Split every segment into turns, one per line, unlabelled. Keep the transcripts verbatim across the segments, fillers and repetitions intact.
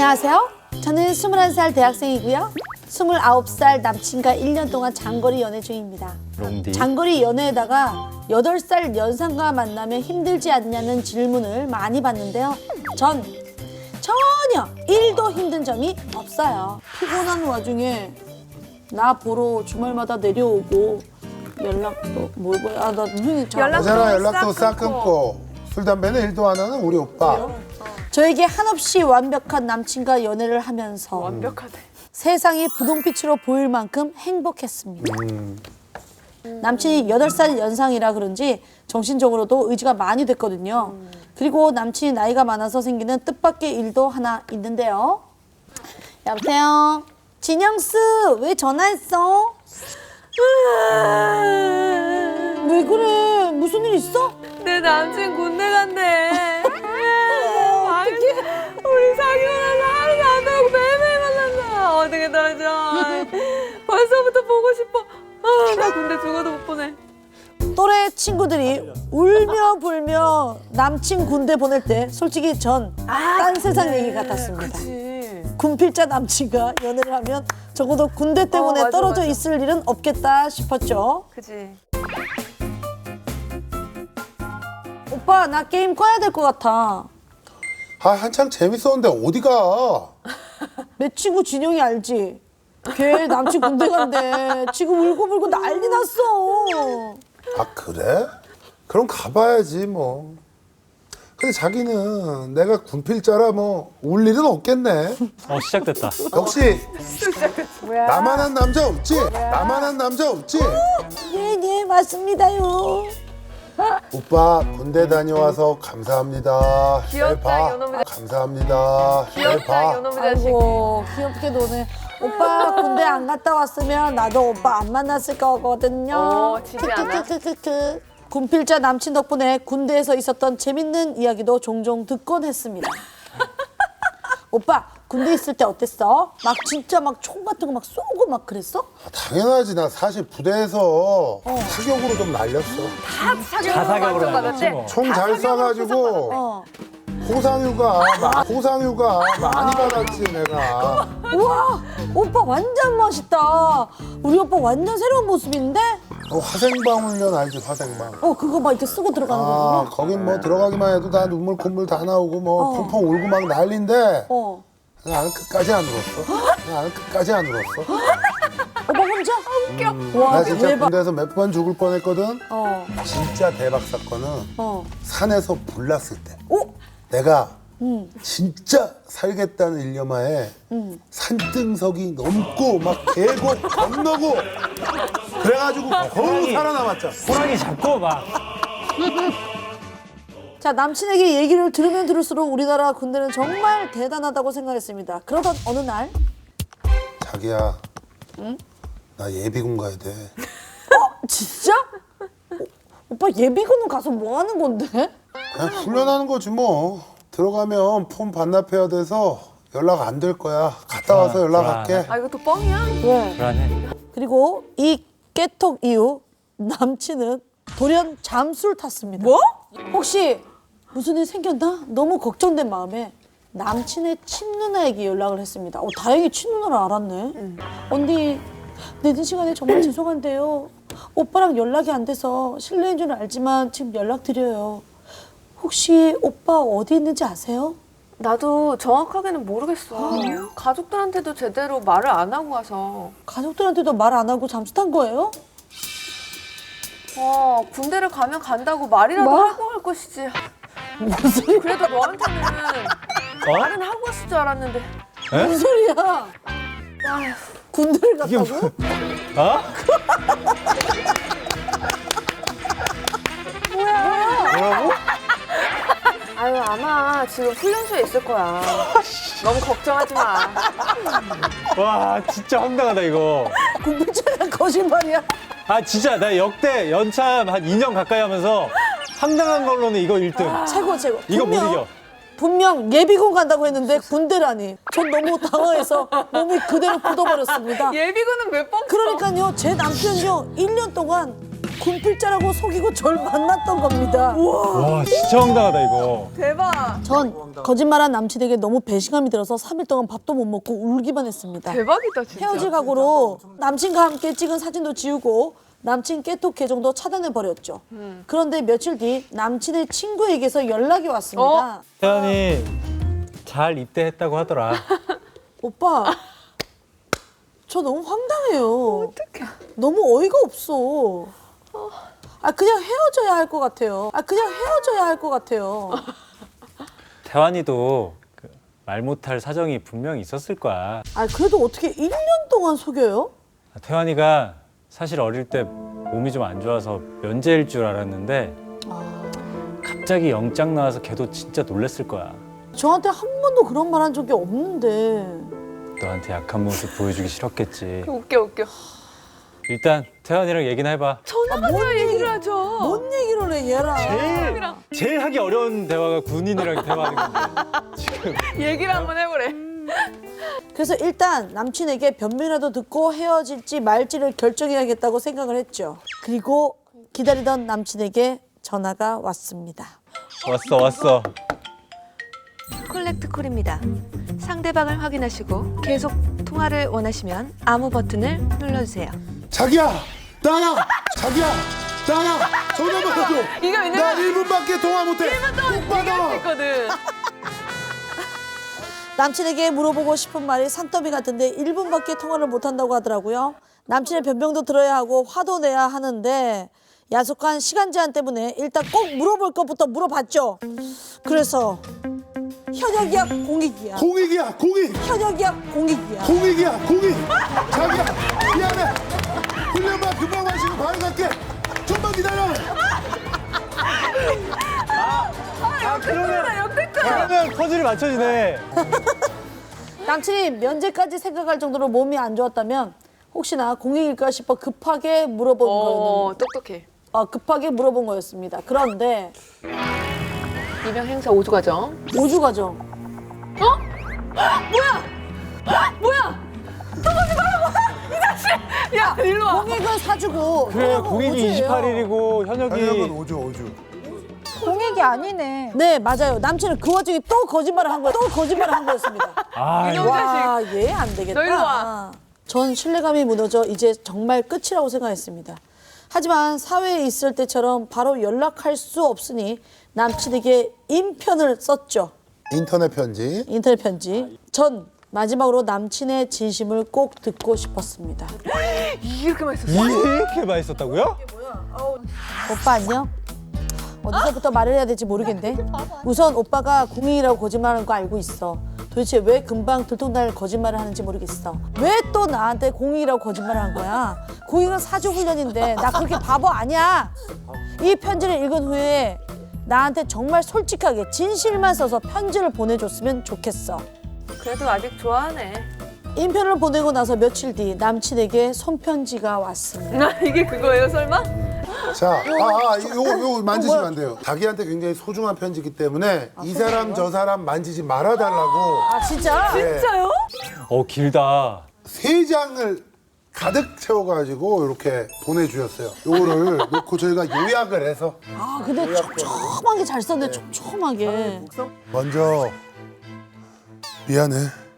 안녕하세요. 저는 스물한 살 대학생이고요. 스물아홉 살 남친과 일 년 동안 장거리 연애 중입니다.
롱디.
장거리 연애에다가 여덟 살 연상과 만나면 힘들지 않냐는 질문을 많이 받는데요. 전 전혀 일도 힘든 점이 없어요. 피곤한 와중에 나 보러 주말마다 내려오고 연락도 뭘 뭐야. 아, 나 눈이 잘
연락-
여자랑 연락도
싹
싹 끊고 술 담배는 일도 안 하는 우리 오빠.
저에게 한없이 완벽한 남친과 연애를 하면서
완벽하대.
세상이 분홍빛으로 보일 만큼 행복했습니다. 남친이 여덟 살 연상이라 그런지 정신적으로도 의지가 많이 됐거든요. 그리고 남친이 나이가 많아서 생기는 뜻밖의 일도 하나 있는데요. 여보세요? 진영스, 왜 전화했어? 왜 그래? 무슨 일 있어?
내 남친 군대 간대. 어떡해. 우리 사귀고 나서 하루도 안 되고 매일매일 만난다. 어떻게 떨어져. 벌써부터 보고 싶어. 아, 나 군대 죽어도 못 보내.
또래 친구들이 울며 불며 남친 군대 보낼 때 솔직히 전 딴 세상 얘기 같았습니다.
그치.
군필자 남친과 연애를 하면 적어도 군대 때문에
어, 맞아,
떨어져
맞아.
있을 일은 없겠다 싶었죠.
그치.
오빠 나 게임 꺼야 될 것 같아.
아 한창 재밌었는데 어디가?
내 친구 진영이 알지? 걔 남친 군대 간대. 지금 울고불고 난리 났어.
아 그래? 그럼 가봐야지 뭐. 근데 자기는 내가 군필자라 뭐 울 일은 없겠네.
어 시작됐다.
역시 나만한 남자 없지? 나만한 남자 없지?
네네 맞습니다요.
오빠 군대 다녀와서 감사합니다. 잘
귀엽다,
봐.
이놈의
감사합니다. 잘
귀엽다,
봐.
이놈의 자식.
아이고 귀엽게 노네. 오빠 군대 안 갔다 왔으면 나도 오빠 안 만났을 거거든요.
어, 지지 않아?
크크크크크. 군필자 남친 덕분에 군대에서 있었던 재밌는 이야기도 종종 듣곤 했습니다. 오빠 군대 있을 때 어땠어? 막 진짜 막 총 같은 거 막 쏘고 막 그랬어?
아, 당연하지. 나 사실 부대에서 사격으로 좀 날렸어.
다 사격으로
자사격으로
만족
날렸지
받았대.
뭐.
총 잘 쏴가지고
어.
호상휴가 마- 호상휴가 많이 받았지 내가.
우와 오빠 완전 멋있다. 우리 오빠 완전 새로운 모습인데?
어, 화생방 훈련 알지 화생방.
어 그거 막 이렇게 쓰고 들어가는
아
거구나.
거긴 뭐 들어가기만 해도 다 눈물 콧물 다 나오고 뭐
어.
펑펑 울고 막 난리인데
어.
나는 끝까지 안 울었어. 나는 끝까지 안 울었어.
오빠 혼자? 웃겨. 와
나 진짜
대박.
군대에서 몇 번 죽을 뻔했거든.
어.
진짜 대박 사건은
어.
산에서 불 났을 때
오.
내가
음.
진짜 살겠다는 일념하에 산등석이 넘고 막 계곡 건너고 그래가지고 겨우
호랑이.
살아남았죠.
호랑이 잡고 막.
자 남친에게 얘기를 들으면 들을수록 우리나라 군대는 정말 대단하다고 생각했습니다. 그러던 어느 날
자기야, 나 예비군 가야 돼.
진짜? 어, 오빠 예비군은 가서 뭐 하는 건데?
그냥 훈련하는 거지 뭐. 들어가면 폰 반납해야 돼서 연락 안 될 거야. 갔다 와서
불안,
연락할게.
아, 이것도 뻥이야?
왜?
불안해.
그리고 이 깨톡 이후 남친은 돌연 잠수를 탔습니다.
뭐?
혹시 무슨 일 생겼나? 너무 걱정된 마음에 남친의 친누나에게 연락을 했습니다. 어, 다행히 친누나를 알았네. 언니, 늦은 시간에 정말 죄송한데요. 오빠랑 연락이 안 돼서 실례인 줄 알지만 지금 연락드려요. 혹시 오빠 어디 있는지 아세요?
나도 정확하게는 모르겠어. 가족들한테도 제대로 말을 안 하고 가서.
가족들한테도 말 안 하고 잠수 탄 거예요?
어, 군대를 가면 간다고 말이라도
뭐?
하고 갈 것이지. 무슨? 그래도 너한테는
어?
말은 하고 갔을 줄 알았는데.
무슨 소리야?
아휴.
군대를 갔다고?
어? 뭐라고?
아유, 아마 지금 훈련소에 있을 거야. 너무 걱정하지 마.
와 진짜 황당하다 이거.
군필자가 거짓말이야?
아 진짜 나 역대 연참 한 이 년 가까이 하면서 황당한 걸로는 이거 일 등.
최고 최고.
이거 못
분명-
이겨.
분명 예비군 간다고 했는데 군대라니. 전 너무 당황해서 몸이 그대로 굳어버렸습니다.
예비군은 몇 번?
그러니까요, 제 남편요 일 년 동안 군필자라고 속이고 절 만났던 겁니다.
와 진짜 황당하다 이거.
대박.
전 거짓말한 남친에게 너무 배신감이 들어서 삼 일 동안 밥도 못 먹고 울기만 했습니다.
대박이다 진짜.
헤어질 각오로 남친과 함께 찍은 사진도 지우고 남친 깨톡 계정도 차단해버렸죠. 그런데 며칠 뒤 남친의 친구에게서 연락이 왔습니다.
어?
태연이 잘 입대했다고 하더라.
오빠, 저 너무 황당해요.
어떡해.
너무 어이가 없어. 아 그냥 헤어져야 할 것 같아요. 아 그냥 헤어져야 할 것 같아요.
태환이도 그 말 못할 사정이 분명히 있었을 거야.
아 그래도 어떻게 일 년 동안 속여요?
태환이가 사실 어릴 때 몸이 좀 안 좋아서 면제일 줄 알았는데 갑자기 영장 나와서 걔도 진짜 놀랬을 거야.
저한테 한 번도 그런 말 한 적이 없는데.
너한테 약한 모습 보여주기 싫었겠지.
웃겨 웃겨.
일단 태환이랑 얘기나 해봐.
전화가
뭔
돼야 얘기를
얘기-
하죠.
뭔 얘기를 해 얘랑.
제일 제일 하기 어려운 대화가 군인이랑 대화하는 건데 지금.
얘기를 한번 해보래.
그래서 일단 남친에게 변명이라도 듣고 헤어질지 말지를 결정해야겠다고 생각을 했죠. 그리고 기다리던 남친에게 전화가 왔습니다.
왔어 왔어.
콜렉트 콜입니다. 상대방을 확인하시고 계속 통화를 원하시면 아무 버튼을 눌러주세요.
자기야 나야 자기야 나야 전화 받아줘.
이거 왜냐면
나 일 분밖에 통화 못해. 일 분 동안
얘기할 수 있거든.
남친에게 물어보고 싶은 말이 산더미 같은데 일 분밖에 통화를 못한다고 하더라고요. 남친의 변명도 들어야 하고 화도 내야 하는데 야속한 시간 제한 때문에 일단 꼭 물어볼 것부터 물어봤죠. 그래서 현역이야 공익이야.
공익이야 공익
현역이야 공익이야.
공익이야 공익. 자기야 미안해. 훈련만 금방 마시고 바로 갈게. 좀만 기다려.
아 그러면 그러면 퍼즐이 맞춰지네.
남친이 면제까지 생각할 정도로 몸이 안 좋았다면 혹시나 공익일까 싶어 급하게 물어본
어
거였는데
똑똑해.
어, 급하게 물어본 거였습니다. 그런데
이명 행사 오 주 과정.
오 주 과정.
야 일로 와.
공익은 사주고
그래
현역은
공익이
오주예요.
이십팔 일이고 현역이
현역은 오주 오주.
공익이 아니네.
네 맞아요. 남친은 그 와중에 또 거짓말을 한 거예요. 또 거짓말을 한 거였습니다.
아 이거
와, 얘 안 되겠다.
너 일로 와.
전 신뢰감이 무너져 이제 정말 끝이라고 생각했습니다. 하지만 사회에 있을 때처럼 바로 연락할 수 없으니 남친에게 인편을 썼죠.
인터넷 편지.
인터넷 편지. 전 마지막으로 남친의 진심을 꼭 듣고 싶었습니다.
이렇게 맛있었어.
이렇게 맛있었다고요?
오빠 안녕? 어디서부터 말을 해야 될지 모르겠네. 우선 오빠가 공익이라고 거짓말하는 거 알고 있어. 도대체 왜 금방 들통날 거짓말을 하는지 모르겠어. 왜 또 나한테 공익이라고 거짓말을 한 거야? 공익은 사주 훈련인데 나 그렇게 바보 아니야. 이 편지를 읽은 후에 나한테 정말 솔직하게 진실만 써서 편지를 보내줬으면 좋겠어.
그래도 아직 좋아하네.
인편을 보내고 나서 며칠 뒤 남친에게 손편지가 왔습니다.
아 이게 그거예요 설마?
자, 아, 아, 요거, 요거 만지시면 안 돼요. 자기한테 굉장히 소중한 편지이기 때문에 이 사람 저 사람 만지지 말아달라고
아 진짜?
진짜요?
어 길다.
세 장을 가득 채워가지고 이렇게 보내주셨어요. 요거를 놓고 저희가 요약을 해서
아 근데 촘촘하게 잘 썼네. 촘촘하게.
먼저 미안해.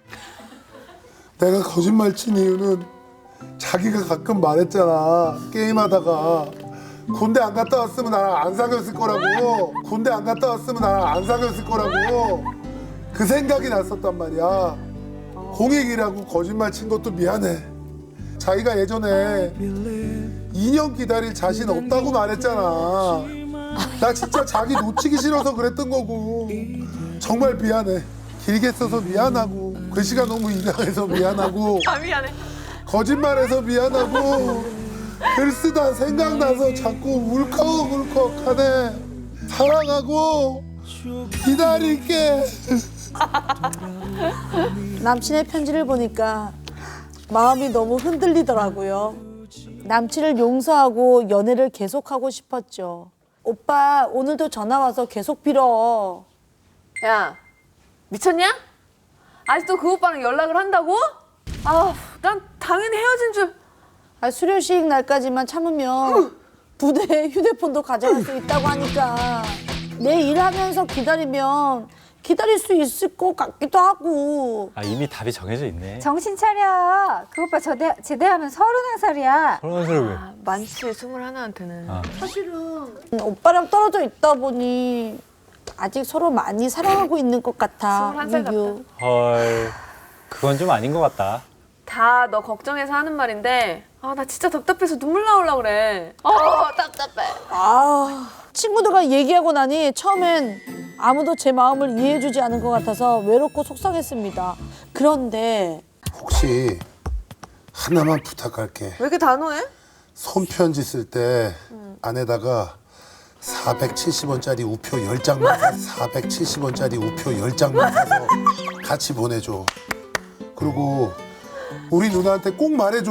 내가 거짓말 친 이유는 자기가 가끔 말했잖아. 게임하다가 군대 안 갔다 왔으면 나랑 안 사귀었을 거라고. 군대 안 갔다 왔으면 나랑 안 사귀었을 거라고. 그 생각이 났었단 말이야. 공익이라고 거짓말 친 것도 미안해. 자기가 예전에 이 년 기다릴 자신 없다고 말했잖아. 나 진짜 자기 놓치기 싫어서 그랬던 거고. 정말 미안해. 길게 써서 미안하고 글씨가 너무 이상해서 미안하고
아 미안해.
거짓말해서 미안하고 글 쓰다 생각나서 자꾸 울컥울컥하네. 사랑하고 기다릴게.
남친의 편지를 보니까 마음이 너무 흔들리더라고요. 남친을 용서하고 연애를 계속하고 싶었죠. 오빠 오늘도 전화 와서 계속 빌어.
야 미쳤냐? 아직도 그 오빠랑 연락을 한다고? 아, 난 당연히 헤어진 줄.
아, 수료식 날까지만 참으면 부대에 휴대폰도 가져갈 수 있다고 하니까 내 일하면서 기다리면 기다릴 수 있을 것 같기도 하고.
아 이미 답이 정해져 있네.
정신 차려. 그 오빠 저대, 제대하면 서른한 살이야.
그런 소리 왜?
아, 많지 스물하나한테는.
아.
사실은 오빠랑 떨어져 있다 보니 아직 서로 많이 사랑하고 있는 것 같아.
스물한 살
민규.
헐, 그건 좀 아닌 것 같다.
다 너 걱정해서 하는 말인데 아 나 진짜 답답해서 눈물 나오려 그래. 어 답답해.
아, 친구들과 얘기하고 나니 처음엔 아무도 제 마음을 이해해주지 않은 것 같아서 외롭고 속상했습니다. 그런데
혹시 하나만 부탁할게.
왜 이렇게 단호해?
손편지 쓸 때 안에다가 사백칠십 원짜리 우표 열 장만 사, 사백칠십 원짜리 우표 열 장만 사서 같이 보내줘. 그리고 우리 누나한테 꼭 말해줘.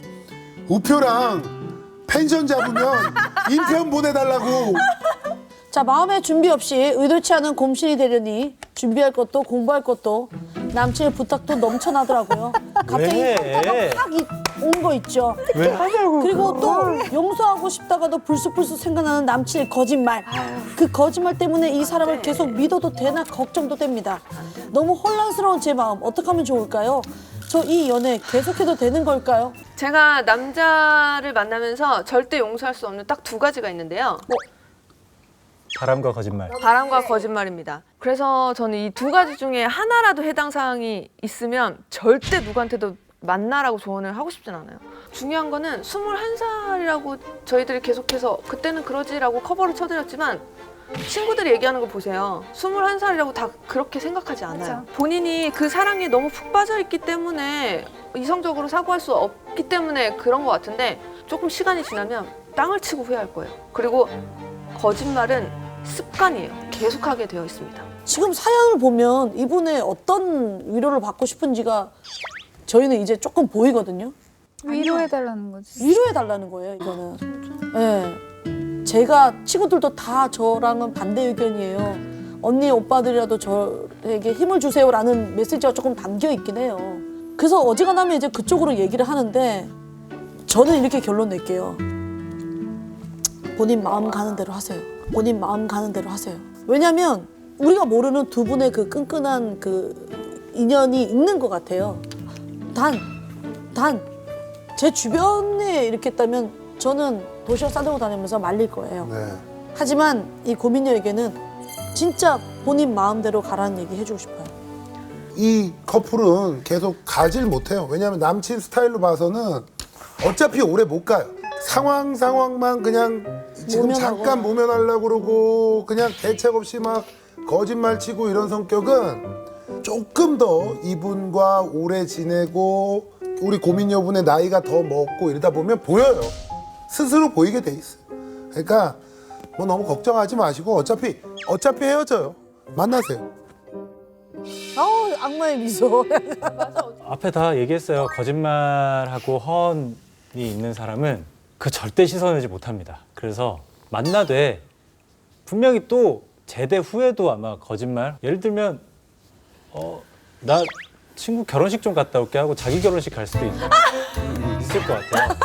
우표랑 펜션 잡으면 인편 보내달라고.
자, 마음의 준비 없이 의도치 않은 곰신이 되려니 준비할 것도 공부할 것도 남친의 부탁도 넘쳐나더라고요. 갑자기
왜?
현타가 확 온 거 있죠.
왜?
그리고 또 용서하고 싶다가도 불쑥불쑥 생각나는 남친의 거짓말. 그 거짓말 때문에 이 사람을 계속 믿어도 되나 걱정도 됩니다. 너무 혼란스러운 제 마음 어떻게 하면 좋을까요? 저 이 연애 계속해도 되는 걸까요?
제가 남자를 만나면서 절대 용서할 수 없는 딱 두 가지가 있는데요.
바람과 거짓말.
바람과 거짓말입니다. 그래서 저는 이 두 가지 중에 하나라도 해당 사항이 있으면 절대 누구한테도 만나라고 조언을 하고 싶진 않아요. 중요한 거는 스물한 살이라고 저희들이 계속해서 그때는 그러지라고 커버를 쳐드렸지만 친구들이 얘기하는 거 보세요. 스물한 살이라고 다 그렇게 생각하지 않아요.
맞아.
본인이 그 사랑에 너무 푹 빠져 있기 때문에 이성적으로 사고할 수 없기 때문에 그런 것 같은데 조금 시간이 지나면 땅을 치고 후회할 거예요. 그리고 거짓말은 습관이에요. 계속하게 되어 있습니다.
지금 사연을 보면 이분의 어떤 위로를 받고 싶은지가 저희는 이제 조금 보이거든요.
위로해달라는 거지.
위로해달라는 거예요, 이거는. 네. 제가 친구들도 다 저랑은 반대 의견이에요. 언니, 오빠들이라도 저에게 힘을 주세요라는 메시지가 조금 담겨 있긴 해요. 그래서 어지간하면 이제 그쪽으로 얘기를 하는데 저는 이렇게 결론 낼게요. 본인 마음 가는 대로 하세요. 본인 마음 가는 대로 하세요. 왜냐면 우리가 모르는 두 분의 그 끈끈한 그 인연이 있는 것 같아요. 단, 단, 제 주변에 이렇게 있다면 저는 도시락 싸들고 다니면서 말릴 거예요.
네.
하지만 이 고민녀에게는 진짜 본인 마음대로 가라는 얘기 해주고 싶어요.
이 커플은 계속 가질 못해요. 왜냐하면 남친 스타일로 봐서는 어차피 오래 못 가요. 상황 상황만 그냥 지금
모면하고.
잠깐 모면하려고 그러고 그냥 대책 없이 막 거짓말 치고 이런 성격은 조금 더 이분과 오래 지내고 우리 고민 여분의 나이가 더 먹고 이러다 보면 보여요. 스스로 보이게 돼 있어요. 그러니까 뭐 너무 걱정하지 마시고 어차피 어차피 헤어져요. 만나세요.
아우, 악마의 미소.
앞에 다 얘기했어요. 거짓말하고 허언이 있는 사람은 그 절대 씻어내지 못합니다. 그래서 만나되 분명히 또 제대 후에도 아마 거짓말. 예를 들면 어, 나 친구 결혼식 좀 갔다 올게 하고 자기 결혼식 갈 수도 있, 있을 것 같아요.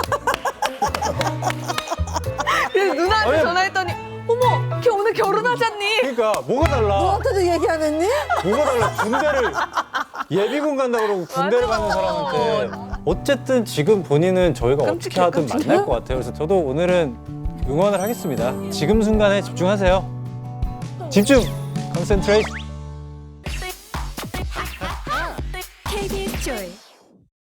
그래서 누나한테
아니,
전화했더니 어머, 걔 오늘 결혼하잖니?
그러니까 뭐가 달라?
너한테도 얘기 안 했니?
뭐가 달라? 군대를 예비군 간다 그러고 군대를
맞아.
가는 사람한테 어쨌든 지금 본인은 저희가 어떻게
끔찍해,
하든
끔찍해.
만날 것 같아요. 그래서 저도 오늘은 응원을 하겠습니다. 지금 순간에 집중하세요. 집중! 컨센트레이트!
케이비에스 조이